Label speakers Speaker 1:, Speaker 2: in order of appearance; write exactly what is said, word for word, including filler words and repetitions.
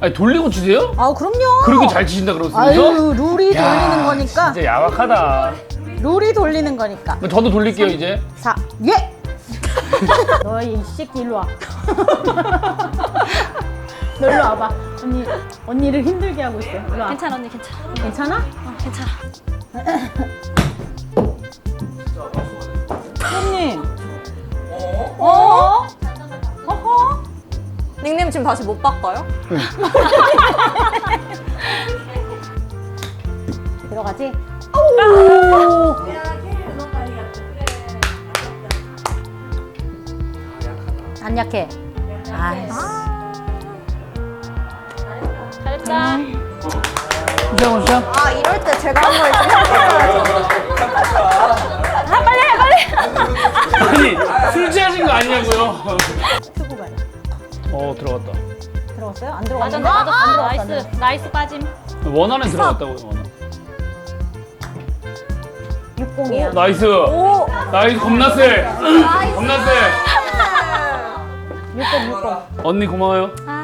Speaker 1: 아니 돌리고 치세요?
Speaker 2: 아 그럼요.
Speaker 1: 그렇게 잘 치신다 그러면서?
Speaker 2: 아유 룰이
Speaker 1: 야,
Speaker 2: 돌리는 거니까.
Speaker 1: 진짜 야박하다.
Speaker 2: 룰이 돌리는 거니까.
Speaker 1: 그럼 저도 돌릴게요 이제.
Speaker 2: 사 예. 너희 이 새끼 일로 와. 너 일로 와봐. 언니 언니를 힘들게 하고 있어. 일로 와.
Speaker 3: 괜찮아 언니 괜찮아.
Speaker 2: 괜찮아?
Speaker 3: 어 괜찮아.
Speaker 2: 손님. 어? 어허?
Speaker 3: 닉네임 지금 다시 못 바꿔요?
Speaker 2: 들어가지? 오! 안 약해. 아이씨.
Speaker 3: 잘했다.
Speaker 1: 시작 시작.
Speaker 3: 아 이럴 때 제가 한 번 이렇게 아 빨리 해 빨리.
Speaker 1: 아니 술 취하신 거 아니냐고요?
Speaker 2: 투구 가요.
Speaker 1: 어 들어갔다.
Speaker 2: 들어갔어요? 안
Speaker 3: 맞아
Speaker 2: 들어갔는데?
Speaker 3: 맞아
Speaker 2: 안
Speaker 3: 아,
Speaker 2: 들어갔어, 안
Speaker 3: 나이스
Speaker 2: 들어갔어.
Speaker 3: 나이스 빠짐.
Speaker 1: 원안에 들어갔다고요 원안.
Speaker 2: 육공이야.
Speaker 1: 나이스. 나이스 겁나 세. 겁나 세.
Speaker 2: 육공, 육공.
Speaker 1: 언니 고마워요.
Speaker 3: 아